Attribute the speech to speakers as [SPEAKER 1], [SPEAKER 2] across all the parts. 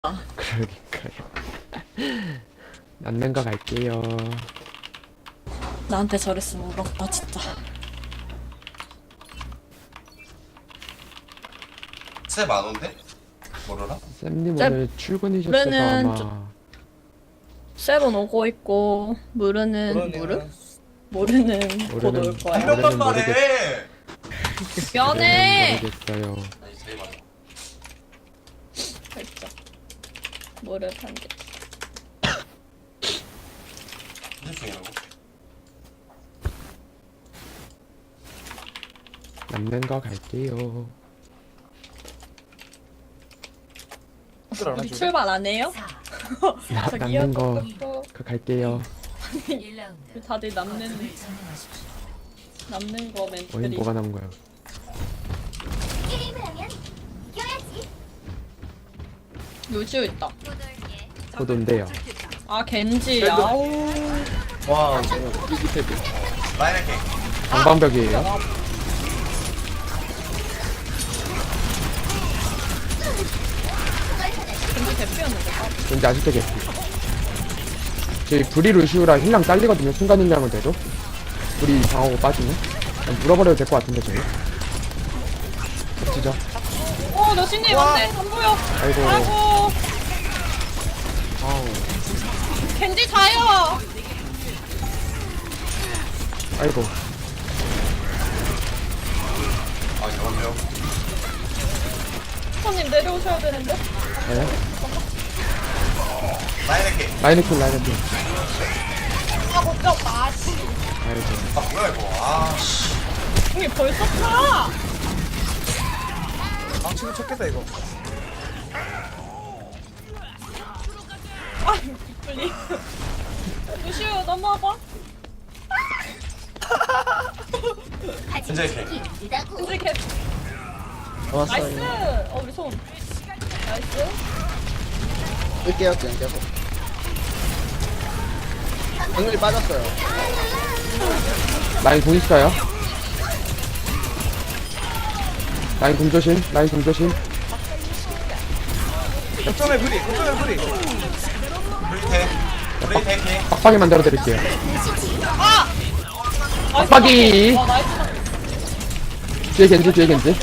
[SPEAKER 1] 그러니까요. 남는 거 갈게요.
[SPEAKER 2] 나한테 저랬으면 울었다 진짜.
[SPEAKER 3] 새 만원데? 모르나?
[SPEAKER 1] 쌤님
[SPEAKER 2] 쌤,
[SPEAKER 1] 오늘 출근이셨어서
[SPEAKER 2] 그러면은
[SPEAKER 1] 아마
[SPEAKER 2] 셀은 오고 있고 무르는 모르는 곧 올
[SPEAKER 1] 모르는-
[SPEAKER 2] 거야.
[SPEAKER 3] 한 명만
[SPEAKER 1] 모르겠-
[SPEAKER 3] 말해!
[SPEAKER 2] 미안해.
[SPEAKER 1] 모르겠어요.
[SPEAKER 3] 아니 제일 많아.
[SPEAKER 2] 살짝 모르 판게.
[SPEAKER 3] 무슨 중이라고?
[SPEAKER 1] 남는 거 갈게요.
[SPEAKER 2] 우리 출발 안 해요? 저기요?
[SPEAKER 1] 남는 거 그 갈게요.
[SPEAKER 2] 다들 남는 거
[SPEAKER 1] 어이
[SPEAKER 2] 멘트들이.
[SPEAKER 1] 뭐가 남은 거야?
[SPEAKER 4] 게임을 하면 이겨야지.
[SPEAKER 2] 요지오 있다.
[SPEAKER 1] 곧 온대요.
[SPEAKER 2] 아 겐지. 아우.
[SPEAKER 5] 와, 저거 이기패드.
[SPEAKER 3] 라인 할게.
[SPEAKER 1] 방방벽이에요.
[SPEAKER 2] 겐지 대피였는데.
[SPEAKER 1] 왠지 아직도 개피. 저희 브리 루시우라 힐량 잘리거든요. 순간 힐량은 돼도. 브리 방어고 빠지면. 그냥 물어버려도 될 것 같은데 저희. 진짜.
[SPEAKER 2] 러시님 안돼 안 보여.
[SPEAKER 1] 아이고.
[SPEAKER 2] 아이고.
[SPEAKER 1] 아우.
[SPEAKER 2] 겐지 자요.
[SPEAKER 1] 아이고.
[SPEAKER 3] 아 잠깐만요.
[SPEAKER 2] 손님 내려오셔야 되는데.
[SPEAKER 1] 네.
[SPEAKER 3] 라인 할게.
[SPEAKER 1] 라이너킬 라이너킬.
[SPEAKER 2] 아 걱정 마. 씨.
[SPEAKER 1] 아이고.
[SPEAKER 3] 아 뭐야 이거. 아 씨.
[SPEAKER 2] 형이 벌써 타.
[SPEAKER 5] 망치고 쳤겠다, 이거.
[SPEAKER 2] 아 빨리. 루시오 넘어와봐.
[SPEAKER 3] 현재 할게.
[SPEAKER 4] 이다고.
[SPEAKER 2] 겐지 캡.
[SPEAKER 5] 왔어요.
[SPEAKER 2] 나이스. 우리 손. 나이스.
[SPEAKER 5] 끌게요, 그냥 계속. 방울이 빠졌어요.
[SPEAKER 1] 라인 공 있어요. 라인 공 조심. 라인 공 조심.
[SPEAKER 5] 거점에 브리, 거점에 브리.
[SPEAKER 3] 브레이테. 브레이테 할게.
[SPEAKER 1] 빡빡이 만들어 드릴게요.
[SPEAKER 2] 아.
[SPEAKER 1] 빡빡이.
[SPEAKER 2] 나이스.
[SPEAKER 1] 뒤에 겐지 뒤에 겐지.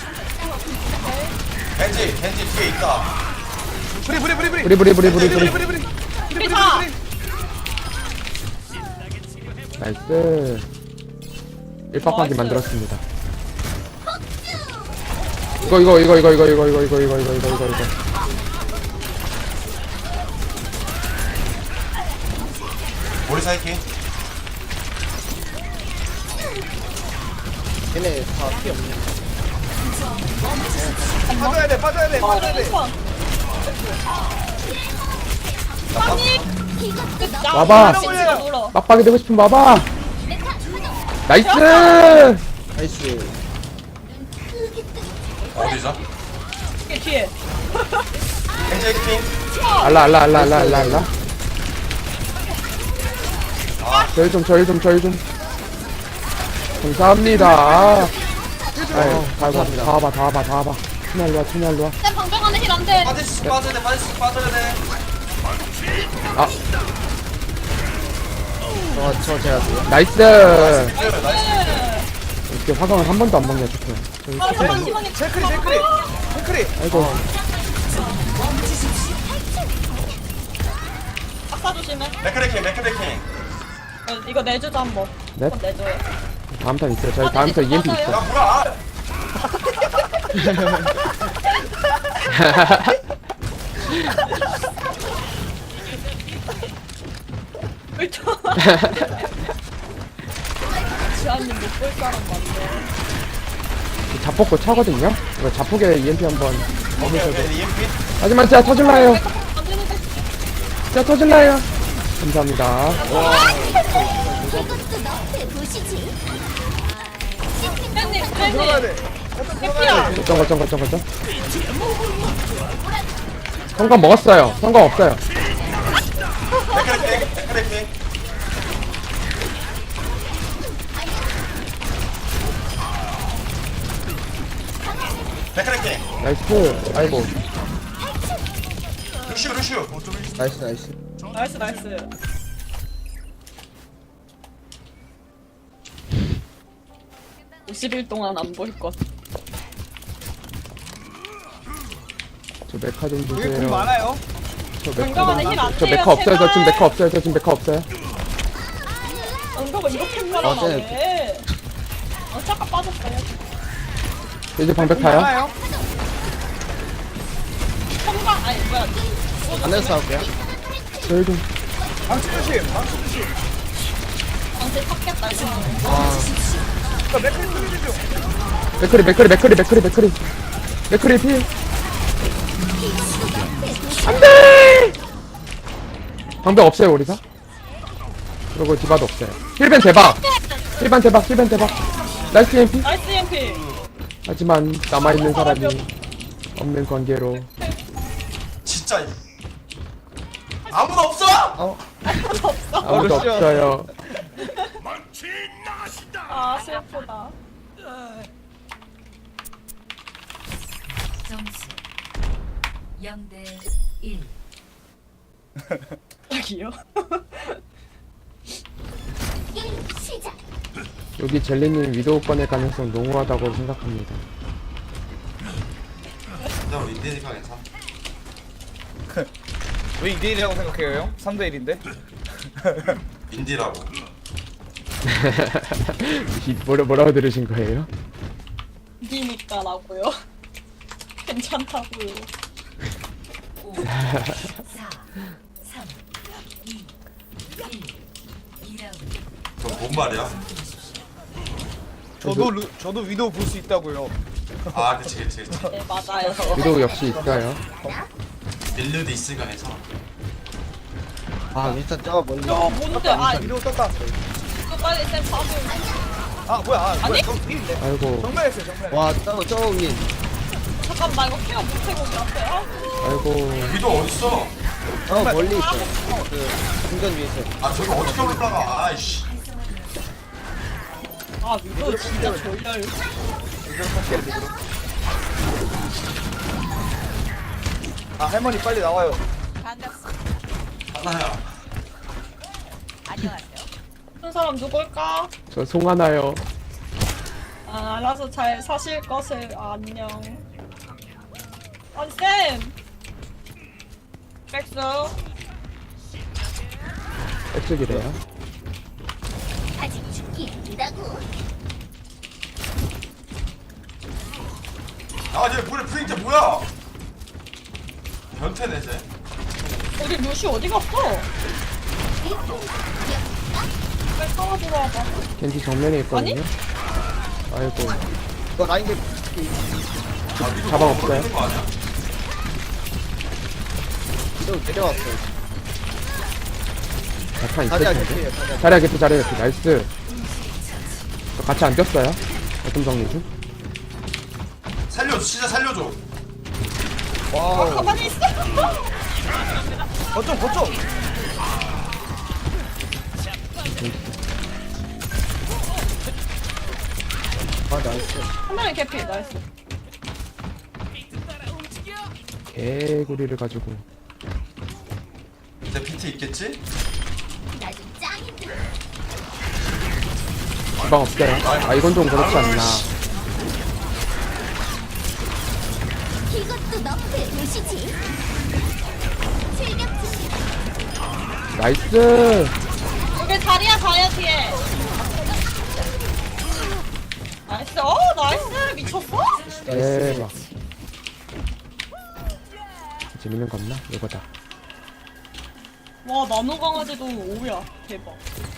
[SPEAKER 3] 겐지 뒤에 있다.
[SPEAKER 5] 브리, 브리, 브리, 브리.
[SPEAKER 1] 브리 브리 브리 브리 브리.
[SPEAKER 5] 브리, 브리.
[SPEAKER 2] 피타.
[SPEAKER 1] 나이스. 일빡빡이
[SPEAKER 2] 나이스.
[SPEAKER 1] 만들었습니다. 이거.
[SPEAKER 3] 머리 살게.
[SPEAKER 5] 얘네 다 피 없네. 빠져야 돼, 빠져야 돼, 빠져야 돼.
[SPEAKER 1] 와봐.
[SPEAKER 2] 겐지가 놀어.
[SPEAKER 1] 빡빡이 되고 싶으면 와봐. 나이스.
[SPEAKER 5] 나이스.
[SPEAKER 3] 어디죠?
[SPEAKER 2] 이게 뒤에.
[SPEAKER 3] 겐지 할게.
[SPEAKER 1] 알라. 저희 좀. 감사합니다. 아유, 다 와봐. 투날로와.
[SPEAKER 2] 내 방정 안에 힐 안 돼.
[SPEAKER 3] 빠질 수 빠져야 돼. 빠져야 돼.
[SPEAKER 1] 아,
[SPEAKER 5] 저 제가 돼요.
[SPEAKER 1] 나이스.
[SPEAKER 3] 나이스.
[SPEAKER 1] 이렇게 화강을 한 번도 안 먹냐, 좋게. 저희
[SPEAKER 2] 아,
[SPEAKER 1] 조금만.
[SPEAKER 2] 시간이
[SPEAKER 5] 체크리.
[SPEAKER 1] 아이고.
[SPEAKER 2] 아까 조심해.
[SPEAKER 3] 맥크레킹.
[SPEAKER 2] 이거 내주자 한번.
[SPEAKER 1] 네?
[SPEAKER 2] 한번 내줘요.
[SPEAKER 1] 다음 턴 있어요. 저희 다음 턴 EMP
[SPEAKER 2] 맞아요.
[SPEAKER 1] 있어.
[SPEAKER 3] 야 뭐야?
[SPEAKER 2] 울쳐. 지한님 못볼 사람 많네.
[SPEAKER 1] 자폭고 차거든요? 이거 자폭에 EMP 한번.
[SPEAKER 3] 오케이 EMP.
[SPEAKER 1] 하지만 진짜 터질라요.
[SPEAKER 2] 안 되는데.
[SPEAKER 1] 진짜 터질라요. 감사합니다.
[SPEAKER 4] 이것도 너한테 보시지.
[SPEAKER 2] 팬님.
[SPEAKER 5] 들어가야 돼.
[SPEAKER 2] 해피야.
[SPEAKER 1] 거점. 성공 먹었어요. 성공 없어요.
[SPEAKER 3] 맥크레킹. 맥크레킹.
[SPEAKER 1] 나이스. 아이고.
[SPEAKER 3] 루시오 루시오.
[SPEAKER 5] 나이스 나이스.
[SPEAKER 2] 나이스 나이스. 50일 동안 안 보일 것.
[SPEAKER 1] 저 메카 좀
[SPEAKER 5] 여기 공
[SPEAKER 1] 주세요.
[SPEAKER 5] 많아요.
[SPEAKER 1] 저 메카
[SPEAKER 2] 건강한에
[SPEAKER 1] 좀.
[SPEAKER 2] 힐안
[SPEAKER 1] 저
[SPEAKER 2] 돼요.
[SPEAKER 1] 메카 없어요. 저 지금
[SPEAKER 2] 제발.
[SPEAKER 1] 메카 없어요. 저 지금 메카 없어요.
[SPEAKER 2] 언더가 이렇게 편안하네. 잠깐 빠졌어요.
[SPEAKER 1] 이제 방백 타요.
[SPEAKER 5] 많아요.
[SPEAKER 2] 성강 아니 뭐야?
[SPEAKER 5] 안에서 싸울게요.
[SPEAKER 1] 저희 좀.
[SPEAKER 5] 방치 조심. 방치 조심.
[SPEAKER 2] 방세 탔겠다 이거.
[SPEAKER 5] 자 맥클 소리 좀.
[SPEAKER 1] 맥크리 필. 안돼. 방백 없어요 우리가. 그리고 디바도 없어요. 힐벤 대박. 나이스 MP.
[SPEAKER 2] 나이스 EMP.
[SPEAKER 1] 하지만 남아있는 사람이 없는 관계로
[SPEAKER 3] 진짜. 아무도 없어.
[SPEAKER 1] 아무도
[SPEAKER 5] 루시오.
[SPEAKER 1] 없어요.
[SPEAKER 2] 아 슬프다.
[SPEAKER 6] 점수 0대 1.
[SPEAKER 2] 여기요.
[SPEAKER 4] 게임 시작.
[SPEAKER 1] 여기 젤리님 위도우 꺼낼 가능성 농후하다고 생각합니다.
[SPEAKER 3] 나 우리 인디니까 괜찮아.
[SPEAKER 5] 왜 2대1이라고 생각해요 형? 3대1인데?
[SPEAKER 3] 인디라고.
[SPEAKER 1] 뭐라고 들으신 거예요?
[SPEAKER 2] 니니까라고요. 괜찮다고요.
[SPEAKER 6] 5, 4, 3, 2, 1. 2라운드.
[SPEAKER 3] 그럼 뭔 말이야?
[SPEAKER 5] 저도 위도우 볼 수 있다고요.
[SPEAKER 3] 아 그치.
[SPEAKER 2] 네 맞아요.
[SPEAKER 1] 위도우 역시 있어요.
[SPEAKER 3] 밀르드 있으니까 괜찮아.
[SPEAKER 5] 아 일단 저거 멀리.
[SPEAKER 2] 저 뭔데? 아
[SPEAKER 5] 위도우 떴다.
[SPEAKER 2] 이거 빨리 쌤 봐줘.
[SPEAKER 5] 아 뭐야? 아
[SPEAKER 2] 아니?
[SPEAKER 5] 뭐야? 저 위인데.
[SPEAKER 1] 아이고
[SPEAKER 5] 정면했어요 정면. 와 저 위.
[SPEAKER 2] 잠깐 나 이거 케어 못해고 앞에요.
[SPEAKER 1] 아이고
[SPEAKER 3] 위도 어딨어?
[SPEAKER 5] 멀리 있어요. 그 중전 위에 있어요.
[SPEAKER 3] 아 저기 어떻게 올라가? 아이씨.
[SPEAKER 2] 아 이거 진짜 졸려요.
[SPEAKER 5] 아 할머니 빨리 나와요.
[SPEAKER 3] 하나야.
[SPEAKER 2] 한 사람 누굴까?
[SPEAKER 1] 저 송하나요.
[SPEAKER 2] 아, 알아서 잘 사실 것을 안녕. 아니 쌤. 백수.
[SPEAKER 1] 백쪽이래요.
[SPEAKER 4] 아직 죽기 힘들다고.
[SPEAKER 3] 아얘 물에 프린트 뭐야? 변태네 쟤.
[SPEAKER 2] 우리 루시 어디 갔어? 빨리 살아 들어와봐.
[SPEAKER 1] 겐지 정면에 있거든요. 아이고
[SPEAKER 5] 이거 라인 게
[SPEAKER 3] 아 위도
[SPEAKER 1] 가방 없어요?
[SPEAKER 3] 모르는 거 아니야?
[SPEAKER 5] 위도우 내려왔어요.
[SPEAKER 1] 약간 있을
[SPEAKER 5] 자리야
[SPEAKER 1] 텐데.
[SPEAKER 5] 개피예요.
[SPEAKER 1] 자리야 개피 나이스. 저 같이 안 꼈어요. 어떤 정리 중?
[SPEAKER 3] 살려줘 진짜 살려줘.
[SPEAKER 5] 와우.
[SPEAKER 2] 가만히 있어.
[SPEAKER 5] 거점. 아 나이스.
[SPEAKER 2] 한 명이 개피 나이스.
[SPEAKER 1] 개구리를 가지고.
[SPEAKER 3] 내 PT 있겠지?
[SPEAKER 4] 나 좀 짱인데.
[SPEAKER 1] 주방 없어요. 아 이건 좀 그렇지 않나.
[SPEAKER 4] 이것도 너프의 도시지. 출격 준비.
[SPEAKER 1] 나이스.
[SPEAKER 2] 여기 자리야 가야 뒤에. 나이스. 나이스. 미쳤어?
[SPEAKER 1] 대박. 재밌는 거 없나? 이거다.
[SPEAKER 2] 와 나노 강아지도 5야. 대박.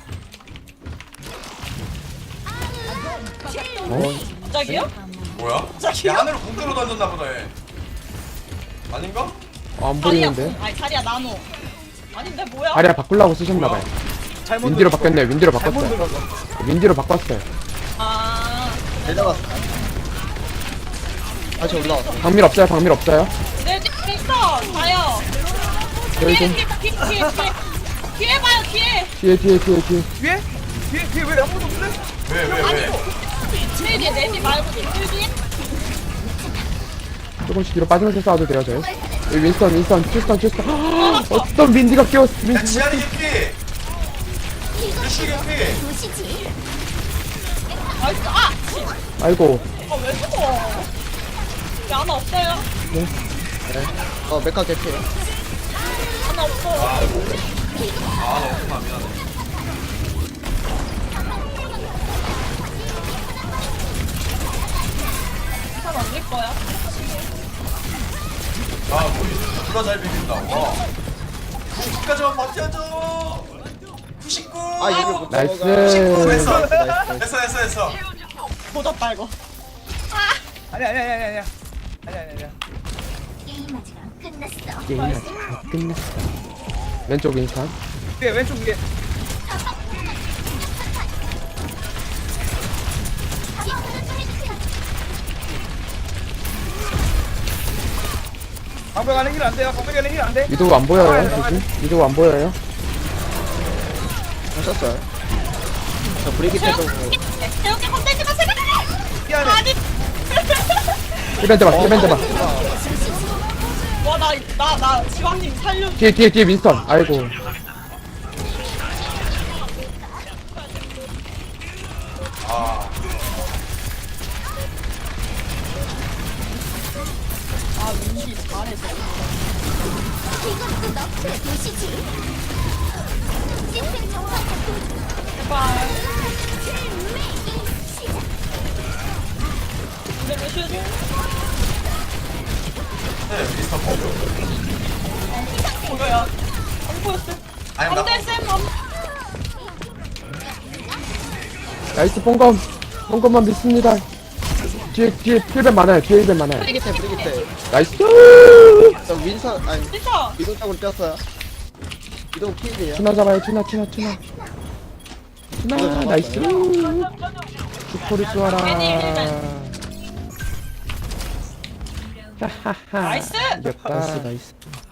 [SPEAKER 2] 갑자기요?
[SPEAKER 3] 뭐야?
[SPEAKER 2] 자기야?
[SPEAKER 3] 야 하늘을 공대로 던졌나 보다 얘. 아닌가?
[SPEAKER 1] 안
[SPEAKER 2] 자리야.
[SPEAKER 1] 보이는데?
[SPEAKER 2] 아니 자리야 나노. 아닌데 뭐야?
[SPEAKER 1] 다리야 바꾸려고 쓰셨나봐요.
[SPEAKER 5] 잘못
[SPEAKER 1] 윈디로
[SPEAKER 5] 눌렀어.
[SPEAKER 1] 바뀌었네. 윈디로
[SPEAKER 5] 잘못
[SPEAKER 1] 바꿨어요.
[SPEAKER 5] 눌렀어.
[SPEAKER 1] 윈디로 바꿨어요.
[SPEAKER 2] 아.
[SPEAKER 5] 내려갔어. 다시 올라왔어.
[SPEAKER 1] 방밀 없어요.
[SPEAKER 2] 네, 있어. 가요.
[SPEAKER 1] 여기
[SPEAKER 2] 뒤에,
[SPEAKER 1] 좀.
[SPEAKER 2] 뒤에 봐요, 뒤에.
[SPEAKER 1] 뒤에.
[SPEAKER 5] 뒤에? 뒤에 왜 아무도 없는데?
[SPEAKER 3] 왜?
[SPEAKER 2] 뒤에, 내지 말고 뒤에.
[SPEAKER 1] 조금씩 뒤로 빠지면서 싸워도 돼요, 저희. 여기 윈스턴 어떤 민디가 깨웠어
[SPEAKER 3] 야
[SPEAKER 1] 민디.
[SPEAKER 3] 지한이 개피. 루시 개피.
[SPEAKER 4] 도시지.
[SPEAKER 2] 나이스. 아!
[SPEAKER 1] 아이고
[SPEAKER 2] 왜 죽어? 왜 하나 없어요?
[SPEAKER 5] 메카 개피.
[SPEAKER 2] 하나 없어.
[SPEAKER 3] 아 너무 미안해.
[SPEAKER 2] 잘 안될 거야.
[SPEAKER 3] 아 우리 누가 잘 비빈다. 와. 90까지만 버텨줘. 99.
[SPEAKER 5] 아 얘를 못
[SPEAKER 1] 나이스.
[SPEAKER 5] 잡아가.
[SPEAKER 3] 됐어. 됐어.
[SPEAKER 2] 보졌다 이거.
[SPEAKER 5] 아니야.
[SPEAKER 4] 게임 아직 안 끝났어.
[SPEAKER 1] 게임 아직 안 끝났어. 왼쪽 윈스턴.
[SPEAKER 5] 왼쪽 위에. 방벽 안에 힐 안 돼요. 방벽 안에 힐 안 돼.
[SPEAKER 1] 위도우 안 보여요 조심. 위도우 안 보여요.
[SPEAKER 5] 하셨어요? 저 브레이크 때도
[SPEAKER 2] 이렇게 건들지 마세요.
[SPEAKER 5] 미안해.
[SPEAKER 2] 아니.
[SPEAKER 1] 힐밴드 봐 힐밴드 봐.
[SPEAKER 2] 와, 나 지왕님 살려.
[SPEAKER 1] 뒤에 윈스턴. 아이고
[SPEAKER 2] 아, 민기 잘해서.
[SPEAKER 4] 이것도 너프의 도시지. 시스템 정확한
[SPEAKER 2] 제발.
[SPEAKER 4] 시작.
[SPEAKER 2] 근데 왜 슈즈?
[SPEAKER 3] 네 미스터 버그.
[SPEAKER 2] 뭐야? 안 보였어.
[SPEAKER 3] 아니 나.
[SPEAKER 2] 안돼 쌤 안.
[SPEAKER 1] 나이스 뽕검만 믿습니다. 뒤에 힐밴 많아요. 뒤에 힐밴 많아요.
[SPEAKER 5] 브레이크 때.
[SPEAKER 1] 나이스.
[SPEAKER 5] 저 윈선 아니
[SPEAKER 2] 진짜.
[SPEAKER 5] 이동 쪽으로 뛰었어요. 이동 킬이에요.
[SPEAKER 1] 투나 잡아요. 투나 나이스. 슈퍼를 쏘아라. 하하하.
[SPEAKER 2] 나이스.
[SPEAKER 1] 이겼다.
[SPEAKER 5] 나이스.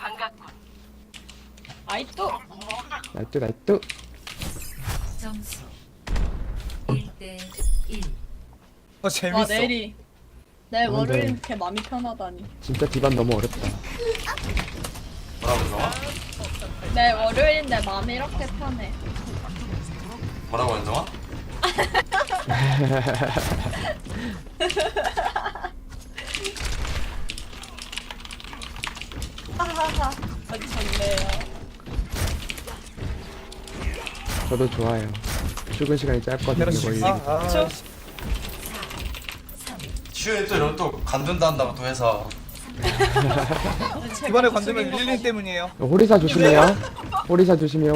[SPEAKER 2] 아이또.
[SPEAKER 1] 나이스.
[SPEAKER 6] 점수 1대 1.
[SPEAKER 2] 와 내일이. 내 월요일 이렇게 마음이 편하다니.
[SPEAKER 1] 진짜 디반 너무 어렵다.
[SPEAKER 3] 뭐라고 정아?
[SPEAKER 2] 내 월요일인데 마음이 이렇게 편해.
[SPEAKER 3] 뭐라고 현정아?
[SPEAKER 2] 하하하. 아주 좋네요.
[SPEAKER 1] 저도 좋아요. 출근 시간이 짧거든요. 거의.
[SPEAKER 2] 그쵸?
[SPEAKER 3] 슈에 또 이런 또 관둔다 한다고 또 해서.
[SPEAKER 7] 이번에 관두면 릴링 때문이에요.
[SPEAKER 1] 호리사 조심해요. 호리사 조심.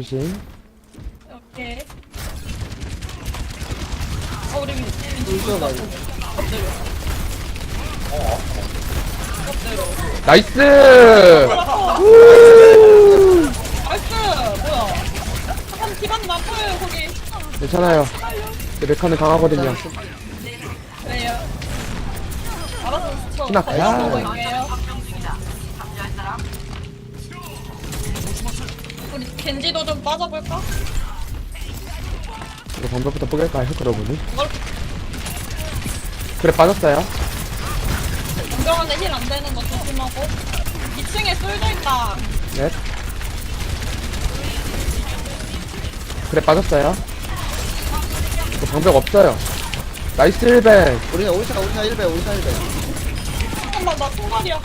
[SPEAKER 2] 오케이. 우리
[SPEAKER 1] 나이스.
[SPEAKER 2] 나이스. 뭐야? 한 기반 나빠요 거기.
[SPEAKER 1] 괜찮아요. 내 메카는 강하거든요.
[SPEAKER 2] 왜요? 알아서 저
[SPEAKER 1] 신학 가야.
[SPEAKER 2] 보고 있게요. 우리 겐지도 좀 빠져볼까?
[SPEAKER 1] 이거 방법부터 뽀갤까요? 그러보니.
[SPEAKER 2] 뭘
[SPEAKER 1] 그래 빠졌어요.
[SPEAKER 2] 공병한테 힐 안 되는 거 조심하고. 2층에 쏠져 있다.
[SPEAKER 1] 넷. 그래 빠졌어요. 이거 방법 없어요. 나이스 1배.
[SPEAKER 5] 우리가 오리사 1배.
[SPEAKER 2] 잠깐만 나 총알이야.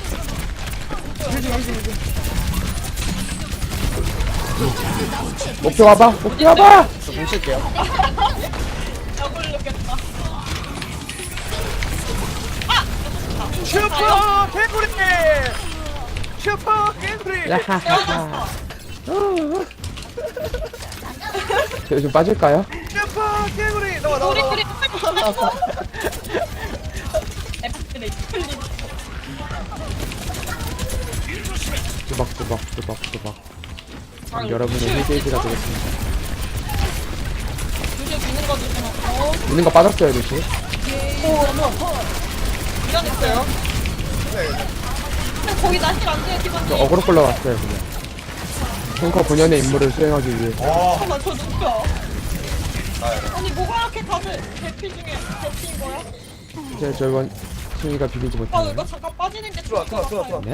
[SPEAKER 1] 목표 와봐.
[SPEAKER 5] 저 공실게요.
[SPEAKER 2] 약을 넣겠다.
[SPEAKER 7] 슈퍼 개구리! 슈퍼 개구리!
[SPEAKER 1] 야하하하. 저 요즘 빠질까요?
[SPEAKER 7] 슈퍼 개구리! 나와.
[SPEAKER 2] 우리 에프레이 클린.
[SPEAKER 1] 뚜벅. 여러분의 힐게이지가 되겠습니다.
[SPEAKER 2] 루시오 미는 거 조심하고.
[SPEAKER 1] 있는 거 빠졌어요, 루시.
[SPEAKER 2] 미안했어요. 근데 거기 나힐 안 돼요,
[SPEAKER 1] 저
[SPEAKER 2] 기반님.
[SPEAKER 1] 어그로 끌러 왔어요, 그냥. 탱커 본연의 임무를 수행하기 위해.
[SPEAKER 2] 잠깐만, 저 누구야? 아니, 뭐가 이렇게 다들 대피 중에 대피인 거야?
[SPEAKER 1] 저 이번 승희가 비비지
[SPEAKER 2] 아
[SPEAKER 1] 못하네.
[SPEAKER 2] 이거 잠깐 빠지는 게
[SPEAKER 7] 들어와,
[SPEAKER 2] 좋을 것
[SPEAKER 7] 들어와,
[SPEAKER 2] 같아요.
[SPEAKER 1] 넷.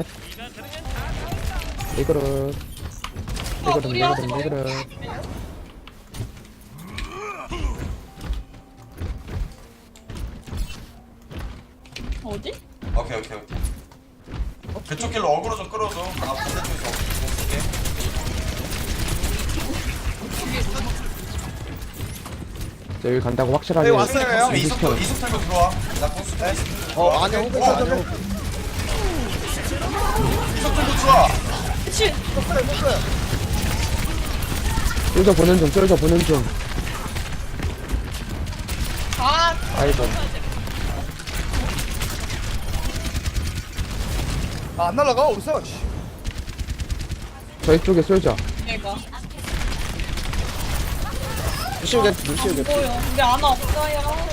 [SPEAKER 1] 이거를
[SPEAKER 2] 아 무리하지
[SPEAKER 1] 이거를
[SPEAKER 2] 말고.
[SPEAKER 1] 이거를.
[SPEAKER 2] 어디?
[SPEAKER 3] 오케이. 그쪽 길로 어그로 좀 끌어줘. 나 반대쪽에서 공 쓸게.
[SPEAKER 1] 자, 여기 간다고 확실하게.
[SPEAKER 7] 네, 왔어요.
[SPEAKER 3] 공수 이속 털고 들어와. 나 공수 때.
[SPEAKER 5] 안에 호그 안에 호그.
[SPEAKER 3] 이속 털고 들어와.
[SPEAKER 2] 그치?
[SPEAKER 1] 쫄져 보는 중, 쫄져 보는 중.
[SPEAKER 2] 아
[SPEAKER 1] 아이고.
[SPEAKER 7] 안 날라가 어딨어? 씨.
[SPEAKER 1] 저희 쪽에 쫄져.
[SPEAKER 2] 얘가
[SPEAKER 5] 루시오 겐트 루시오 겐트.
[SPEAKER 2] 보여. 우리 아나 없어요.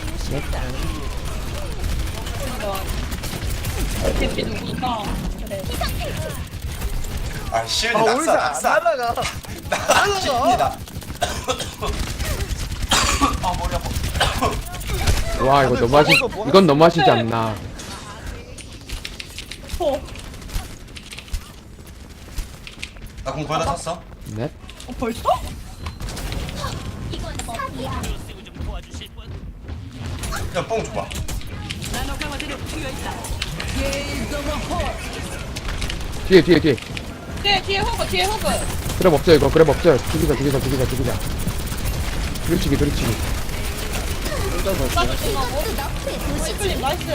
[SPEAKER 2] 대피 누구니까 그래.
[SPEAKER 3] 아 실드
[SPEAKER 7] 아 우리 안
[SPEAKER 3] 낙사.
[SPEAKER 7] 날라가.
[SPEAKER 3] 실드다. 아 머리 아파.
[SPEAKER 1] 와, 이거 너무하시, 이건 너무하시지 않나.
[SPEAKER 3] 나공 거의 다 찼어.
[SPEAKER 1] 넷.
[SPEAKER 2] 벌써?
[SPEAKER 4] 이건 사기야.
[SPEAKER 3] 그냥 뽕 줘봐.
[SPEAKER 1] 뒤에.
[SPEAKER 2] 뒤에 호그
[SPEAKER 1] 그랩 없어요, 이거. 그랩 없어요. 죽이자. 두리치기.
[SPEAKER 2] 나도 심하고
[SPEAKER 4] 이것도 너프의 도시지.
[SPEAKER 2] 시플림 나이스.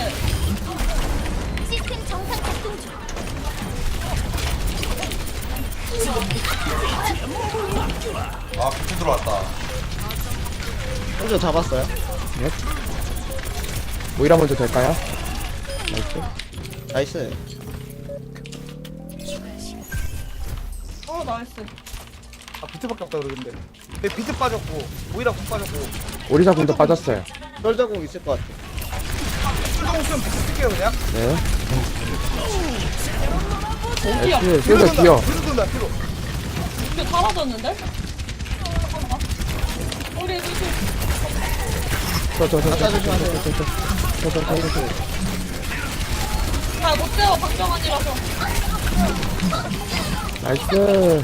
[SPEAKER 4] 시스템 정상 작동 중.
[SPEAKER 3] 아 비트 들어왔다.
[SPEAKER 5] 혼자 잡았어요.
[SPEAKER 1] 넷. 모이라 먼저 될까요? 나이스.
[SPEAKER 5] 나이스.
[SPEAKER 2] 나이스.
[SPEAKER 7] 아 비트밖에 없다 그러는데. 내 비트 빠졌고 오이라 공 빠졌고.
[SPEAKER 1] 오리사 군도 빠졌어요.
[SPEAKER 5] 썰자공 있을 것 같아.
[SPEAKER 7] 수동 수면 비트 쓸게요 그냥.
[SPEAKER 1] 네.
[SPEAKER 2] 어디야?
[SPEAKER 1] 나이스. 쫄져 기어.
[SPEAKER 7] 뒤로 돈다 뒤로.
[SPEAKER 2] 이게 사라졌는데? 잠깐만. 우리 루시. 잘못 재워 박정환이라서.
[SPEAKER 1] 나이스.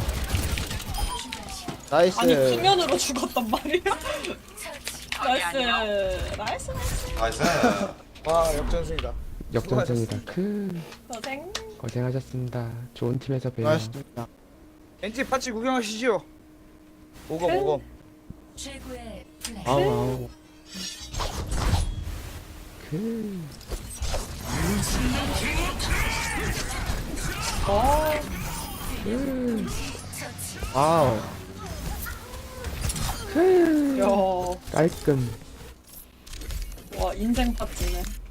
[SPEAKER 5] 나이스.
[SPEAKER 2] 아니 수면으로 죽었단 말이야. 나이스.
[SPEAKER 3] 나이스.
[SPEAKER 7] 와 역전승이다.
[SPEAKER 1] 역전승이다. 크.
[SPEAKER 2] 고생.
[SPEAKER 1] 고생하셨습니다. 좋은 팀에서 봬요.
[SPEAKER 5] 나이스입니다.
[SPEAKER 7] 엔지 파츠 구경하시죠. 오검.
[SPEAKER 6] 최고의 플레이.
[SPEAKER 5] 아우.
[SPEAKER 1] 크.
[SPEAKER 5] 아우.
[SPEAKER 1] 크.
[SPEAKER 2] 야,
[SPEAKER 1] 깔끔.
[SPEAKER 2] 와 인생 파티네.